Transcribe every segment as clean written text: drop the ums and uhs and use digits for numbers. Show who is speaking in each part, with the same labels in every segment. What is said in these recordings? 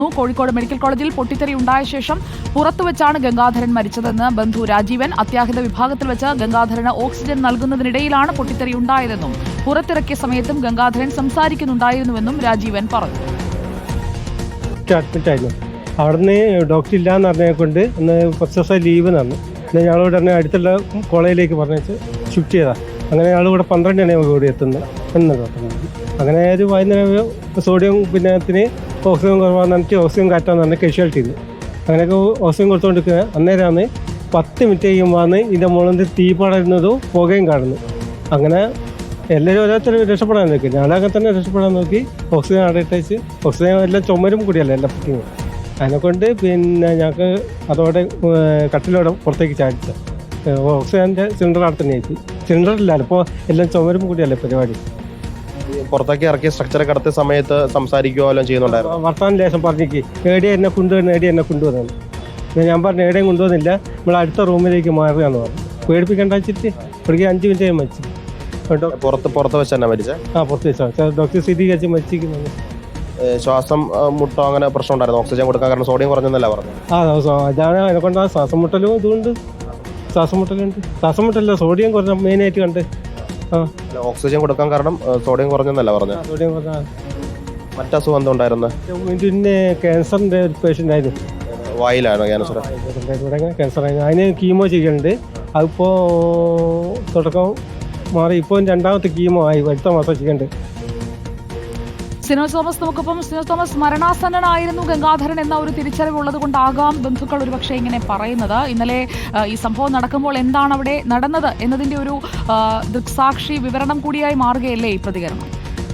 Speaker 1: Kozhikode medical കോളേജിൽ പൊട്ടിത്തെറി ഉണ്ടായ ശേഷം പുറത്തുവെച്ചാണ് ഗംഗാധരൻ മരിച്ചതെന്ന് ബന്ധു രാജീവൻ. അത്യാഹിത വിഭാഗത്തിൽ വെച്ച് ഗംഗാധരന് ഓക്സിജൻ നൽകുന്നതിനിടയിലാണ് പൊട്ടിത്തെറി ഉണ്ടായതെന്നും പുറത്തിറക്കിയ സമയത്തും ഗംഗാധരൻ സംസാരിക്കുന്നുണ്ടായിരുന്നുവെന്നും രാജീവൻ പറഞ്ഞു.
Speaker 2: അവിടുന്ന് ഡോക്ടർ ഇല്ലാന്ന് പറഞ്ഞതിനെ കൊണ്ട് ഒന്ന് കുറച്ച് ദിവസം ലീവ് തന്നു. പിന്നെ ഞങ്ങളോട് തന്നെ അടുത്തുള്ള കോളേജിലേക്ക് പറഞ്ഞിട്ട് ഷിഫ്റ്റ് ചെയ്താൽ അങ്ങനെ ഞങ്ങൾ ഇവിടെ 12 മണിയാകുമ്പോൾ കൂടി എത്തുന്നത് എന്ന് ഡോക്ടർ. അങ്ങനെ ഒരു വൈകുന്നേരം സോഡിയം പിന്നത്തിന് ഓക്സിജൻ കുറവാന്ന് പറഞ്ഞിട്ട് ഓക്സിജൻ കാറ്റാന്ന് പറഞ്ഞാൽ കാഷ്വാലിറ്റി ഉണ്ട്. അങ്ങനെയൊക്കെ ഓക്സിജൻ കൊടുത്തുകൊണ്ടിരിക്കുക. അന്നേരമാണ് 10 മിനിറ്റ് കഴിയുമ്പോഴാണ് ഇതിൻ്റെ മുകളിൽ നിന്ന് തീ പടരുന്നതും പുകയും കാണുന്നു. അങ്ങനെ എല്ലാവരും ഓരോരുത്തർ രക്ഷപ്പെടാൻ നോക്കി. ഞാനങ്ങനെ തന്നെ രക്ഷപ്പെടാൻ നോക്കി. ഓക്സിജൻ അടയിട്ടേച്ച് ഓക്സിജൻ എല്ലാം ചുമരും കൂടിയല്ല എല്ലാം പറ്റിങ്. അതിനെക്കൊണ്ട് പിന്നെ ഞങ്ങൾക്ക് അതോടെ കട്ടിലോടെ പുറത്തേക്ക് ചാടിച്ച ഓക്സിജൻ്റെ സിലിണ്ടർ അവിടെ തന്നെ ആയിട്ട് സിലിണ്ടറില്ലല്ലോ. ഇപ്പോൾ എല്ലാം ചുമരും കൂടിയല്ലേ പരിപാടി.
Speaker 3: പുറത്തേക്ക് ഇറക്കിയ സ്ട്രക്ചർ കടത്തിയ സമയത്ത് സംസാരിക്കുകയോ എല്ലാം ചെയ്യുന്നുണ്ടായിരുന്നു.
Speaker 2: വർത്താനം ലേശം പറഞ്ഞേക്ക് ഏടിയ എന്നെ കൊണ്ടുവരുന്ന ഏടിയ എന്നെ കൊണ്ടുവന്നു. ഞാൻ പറഞ്ഞു ഏടെയും കൊണ്ടുവന്നില്ല, നമ്മൾ അടുത്ത റൂമിലേക്ക് മാറുകയെന്ന് പറഞ്ഞു. പേടിപ്പിക്കേണ്ട വെച്ചിട്ട് ഇവിടേക്ക് 5 മിനിറ്റ് ആയി മരിച്ചു.
Speaker 3: പുറത്ത് വെച്ച് തന്നെ മരിച്ചേ?
Speaker 2: പുറത്ത് വെച്ചാൽ ഡോക്ടർ സ്ഥിരീകരിച്ച് മരിച്ചിരിക്കുന്നു.
Speaker 3: ശ്വാസം മുട്ടോ അങ്ങനെ പ്രശ്നം ഉണ്ടായിരുന്നു? ഓക്സിജൻ കൊടുക്കാൻ കാരണം സോഡിയം കുറഞ്ഞെന്നല്ല പറഞ്ഞു.
Speaker 2: അതാണ് അതിനെക്കൊണ്ട് ശ്വാസം മുട്ടലും ഇതുകൊണ്ട് ശ്വാസം മുട്ടല്ല സോഡിയം കുറഞ്ഞ മെയിനായിട്ട് കണ്ട്.
Speaker 3: ഓക്സിജൻ കൊടുക്കാൻ കാരണം സോഡിയം കുറഞ്ഞെന്നല്ല പറഞ്ഞു.
Speaker 2: സോഡിയം കുറഞ്ഞ
Speaker 3: മറ്റസുഖം എന്താ ഉണ്ടായിരുന്നു?
Speaker 2: പിന്നെ ക്യാൻസറിന്റെ ഒരു പേഷ്യൻ്റ് ആയിരുന്നു.
Speaker 3: വായിലാണോ ക്യാൻസർ?
Speaker 2: ക്യാൻസർ ആയിരുന്നു. അതിന് കീമോ ചെയ്യുന്നുണ്ട്. അതിപ്പോൾ തുടക്കം മാറി ഇപ്പോൾ 2ാമത്തെ കീമോ ആയി. അടുത്ത മാസം ചെയ്യുന്നുണ്ട്.
Speaker 1: സിനോജ് തോമസ് നമുക്കൊപ്പം. സിനോജ് തോമസ്, മരണാസന്നനായിരുന്നു ഗംഗാധരൻ എന്ന ഒരു തിരിച്ചറിവുള്ളത് കൊണ്ടാകാം ബന്ധുക്കൾ ഒരുപക്ഷെ ഇങ്ങനെ പറയുന്നത്. ഇന്നലെ ഈ സംഭവം നടക്കുമ്പോൾ എന്താണ് അവിടെ നടന്നത് എന്നതിന്റെ ഒരു ദൃക്സാക്ഷി വിവരണം കൂടിയായി മാറുകയല്ലേ ഈ പ്രതികരണം?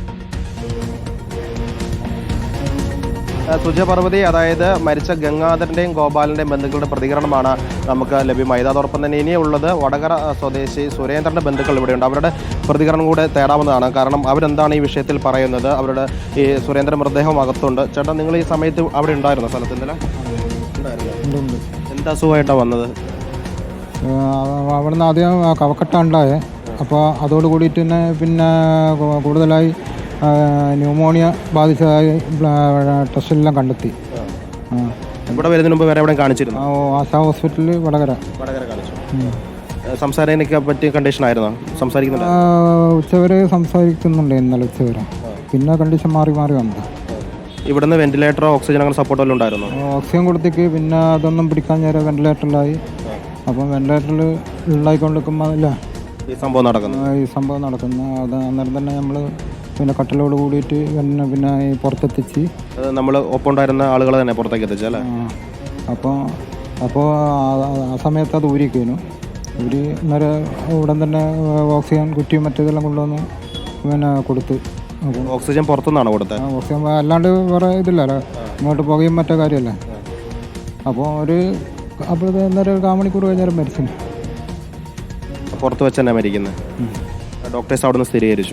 Speaker 3: സുജ പർവതി, അതായത് മരിച്ച ഗംഗാധരൻ്റെയും ഗോപാലൻ്റെയും ബന്ധുക്കളുടെ പ്രതികരണമാണ് നമുക്ക് ലഭ്യമായത്. അതോടൊപ്പം തന്നെ ഇനിയുള്ളത് വടകര സ്വദേശി സുരേന്ദ്രൻ്റെ ബന്ധുക്കൾ ഇവിടെയുണ്ട്. അവരുടെ പ്രതികരണം കൂടെ തേടാവുന്നതാണ്. കാരണം അവരെന്താണ് ഈ വിഷയത്തിൽ പറയുന്നത്. അവരുടെ ഈ സുരേന്ദ്രൻ മൃതദേഹം അകത്തുണ്ട്. ചേട്ടാ, നിങ്ങൾ ഈ സമയത്ത് അവിടെ ഉണ്ടായിരുന്ന സ്ഥലത്ത് ഇന്നലെ എന്താ അസുഖമായിട്ടാണ് വന്നത്?
Speaker 4: അവിടുന്ന് ആദ്യം കവക്കെട്ടുണ്ടായേ. അപ്പോൾ അതോട് കൂടിയിട്ട് തന്നെ പിന്നെ കൂടുതലായി ന്യൂമോണിയ ബാധിച്ചതായി ടെസ്റ്റിലെല്ലാം കണ്ടെത്തി.
Speaker 3: ഇവിടെ വരുന്നതിന് മുമ്പ് വേറെ എവിടെ കാണിച്ചിരുന്നു?
Speaker 4: ആശാ ഹോസ്പിറ്റലിൽ വടകര
Speaker 3: കാണിച്ചു. സംസാരിക്കാനൊക്കെ പറ്റിയ കണ്ടീഷൻ ആയിരുന്നോ? സംസാരിക്കുന്നുണ്ട്?
Speaker 4: ഉച്ചവരെ സംസാരിക്കുന്നുണ്ട് ഇന്നലെ ഉച്ചവരെ. പിന്നെ കണ്ടീഷൻ മാറി വന്നത്.
Speaker 3: ഇവിടുന്ന് വെന്റിലേറ്ററോ ഓക്സിജൻ അങ്ങനെ സപ്പോർട്ടോ എല്ലാം ഉണ്ടായിരുന്നു?
Speaker 4: ഓക്സിജൻ കൊടുത്തേക്ക് പിന്നെ അതൊന്നും പിടിക്കാൻ നേരം വെന്റിലേറ്ററിലായി. അപ്പം വെന്റിലേറ്ററിൽ ഉണ്ടായിക്കൊണ്ടിരിക്കുമ്പോൾ അല്ല
Speaker 3: ഈ സംഭവം
Speaker 4: നടക്കുന്നു. അത് അന്നേരം തന്നെ നമ്മൾ പിന്നെ കട്ടിലോട് കൂടിയിട്ട് പിന്നെ ഈ പുറത്തെത്തിച്ച്
Speaker 3: നമ്മൾ ഒപ്പം ഉണ്ടായിരുന്ന ആളുകൾ തന്നെ പുറത്തേക്ക് എത്തിച്ചല്ലേ?
Speaker 4: അപ്പോൾ ആ സമയത്ത് അത് ഊരിക്കുന്നു. അന്നേരം ഉടൻ തന്നെ ഓക്സിജൻ കുറ്റിയും മറ്റേതെല്ലാം കൊണ്ടുവന്ന് പിന്നെ കൊടുത്ത്.
Speaker 3: ഓക്സിജൻ പുറത്തുനിന്നാണോ കൊടുത്തത്?
Speaker 4: ഓക്സിജൻ അല്ലാണ്ട് വേറെ ഇതില്ലല്ലോ, ഇങ്ങോട്ട് പുകയും മറ്റേ കാര്യമല്ലേ. അപ്പോൾ അപ്പോഴത്തെ അന്നേരം 1/4 മണിക്കൂർ കഴിഞ്ഞാലും മരിച്ചു.
Speaker 3: പുറത്ത് വെച്ച് തന്നെ മരിക്കുന്നത്? ഡോക്ടേഴ്സ് അവിടെ നിന്ന് സ്ഥിരീകരിച്ചു?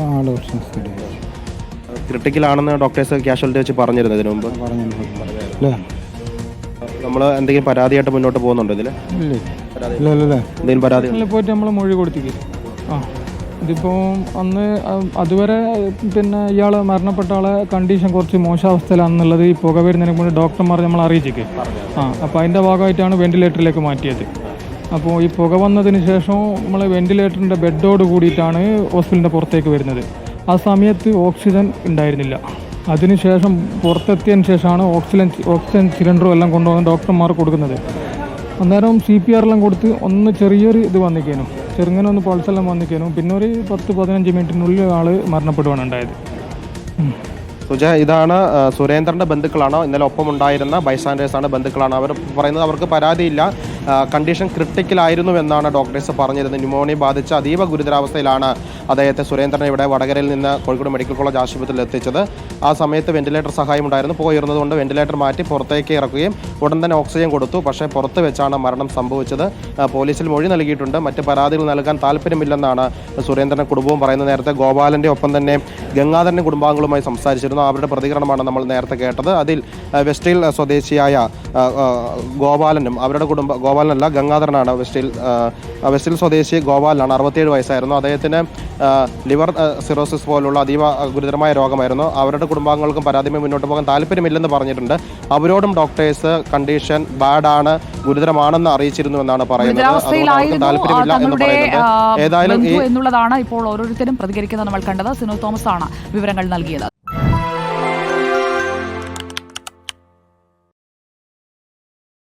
Speaker 3: ക്രിട്ടിക്കലാണെന്ന് ഡോക്ടേഴ്സ് കാഷ്വാലിറ്റി വെച്ച് പറഞ്ഞിരുന്നു ഇതിനു മുമ്പ്? നമ്മൾ എന്തെങ്കിലും പരാതിയായിട്ട് മുന്നോട്ട് പോകുന്നുണ്ടോ ഇതിൽ? എന്തെങ്കിലും പരാതി
Speaker 5: പോയിട്ട് നമ്മൾ മൊഴി കൊടുത്തില്ലേ? ഇതിപ്പോൾ അന്ന് അതുവരെ പിന്നെ ഇയാൾ മരണപ്പെട്ട ആളെ കണ്ടീഷൻ കുറച്ച് മോശാവസ്ഥയിലാണെന്നുള്ളത് ഈ പുക വരുന്നതിനെ കൊണ്ട് ഡോക്ടർമാർ നമ്മൾ അറിയിച്ചേക്ക്. അപ്പോൾ അതിൻ്റെ ഭാഗമായിട്ടാണ് വെന്റിലേറ്ററിലേക്ക് മാറ്റിയത്. അപ്പോൾ ഈ പുക വന്നതിന് ശേഷം നമ്മൾ വെന്റിലേറ്ററിൻ്റെ ബെഡോട് കൂടിയിട്ടാണ് ഹോസ്പിറ്റലിൻ്റെ പുറത്തേക്ക് വരുന്നത്. ആ സമയത്ത് ഓക്സിജൻ ഉണ്ടായിരുന്നില്ല. അതിനുശേഷം പുറത്തെത്തിയതിന് ശേഷമാണ് ഓക്സിജൻ സിലിണ്ടറും എല്ലാം കൊണ്ടുവന്ന് ഡോക്ടർമാർ കൊടുക്കുന്നത്. അന്നേരം CPR എല്ലാം കൊടുത്ത് ഒന്ന് ചെറിയൊരു ഇത് വന്നിക്കേനു, ചെറുങ്ങനെ ഒന്ന് പൾസെല്ലാം വന്നിക്കേനു. പിന്നെ ഒരു 10-15 മിനിറ്റിനുള്ളിൽ ആൾ മരണപ്പെടുകയാണ് ഉണ്ടായത്.
Speaker 3: സുജ, ഇതാണ് സുരേന്ദ്രൻ്റെ ബന്ധുക്കളാണ്. ഇന്നലെ ഒപ്പം ഉണ്ടായിരുന്ന ബൈസ്റ്റാൻഡേഴ്സാണ്, ബന്ധുക്കളാണ്. അവർ പറയുന്നത് അവർക്ക് പരാതിയില്ല, കണ്ടീഷൻ ക്രിട്ടിക്കലായിരുന്നു എന്നാണ് ഡോക്ടേഴ്സ് പറഞ്ഞിരുന്നത്. ന്യൂമോണിയ ബാധിച്ച അതീവ ഗുരുതരാവസ്ഥയിലാണ് അദ്ദേഹത്തെ സുരേന്ദ്രനെ ഇവിടെ വടകരയിൽ നിന്ന് കോഴിക്കോട് മെഡിക്കൽ കോളേജ് ആശുപത്രിയിൽ എത്തിച്ചത്. ആ സമയത്ത് വെന്റിലേറ്റർ സഹായം ഉണ്ടായിരുന്നു. പോയിരുന്നതുകൊണ്ട് വെന്റിലേറ്റർ മാറ്റി പുറത്തേക്ക് ഇറക്കുകയും ഉടൻ തന്നെ ഓക്സിജൻ കൊടുത്തു. പക്ഷേ പുറത്ത് വെച്ചാണ് മരണം സംഭവിച്ചത്. പോലീസിൽ മൊഴി നൽകിയിട്ടുണ്ട്. മറ്റ് പരാതികൾ നൽകാൻ താല്പര്യമില്ലെന്നാണ് സുരേന്ദ്രൻ്റെ കുടുംബവും പറയുന്നത്. നേരത്തെ ഗോപാലൻ്റെ ഒപ്പം തന്നെ ഗംഗാധരൻ്റെ കുടുംബാംഗങ്ങളുമായി സംസാരിച്ചിരുന്നു. അവരുടെ പ്രതികരണമാണ് നമ്മൾ നേരത്തെ കേട്ടത്. അതിൽ വെസ്റ്റ് ഹിൽ സ്വദേശിയായ ഗോപാലനും അവരുടെ ഗോപാലനല്ല, ഗംഗാധരനാണ്. വെസ്റ്റിൽ സ്വദേശി ഗോപാലനാണ്, 67 വയസ്സായിരുന്നു. അദ്ദേഹത്തിന് ലിവർ സിറോസിസ് പോലുള്ള അതീവ ഗുരുതരമായ രോഗമായിരുന്നു. അവരുടെ കുടുംബാംഗങ്ങൾക്കും പരാതിയുമായി മുന്നോട്ട് പോകാൻ താല്പര്യമില്ലെന്ന് പറഞ്ഞിട്ടുണ്ട്. അവരോടും ഡോക്ടേഴ്സ് കണ്ടീഷൻ ബാഡാണ്, ഗുരുതരമാണെന്ന് അറിയിച്ചിരുന്നുവെന്നാണ് പറയുന്നത്. അതുകൊണ്ട് താല്പര്യമില്ല എന്ന് പറയുന്നത്. ഏതായാലും
Speaker 1: എന്നുള്ളതാണ് ഇപ്പോൾ ഓരോരുത്തരും പ്രതികരിക്കുന്നത് നമ്മൾ കണ്ടത്. സിനു തോമസ് ആണ് വിവരങ്ങൾ നൽകിയത്.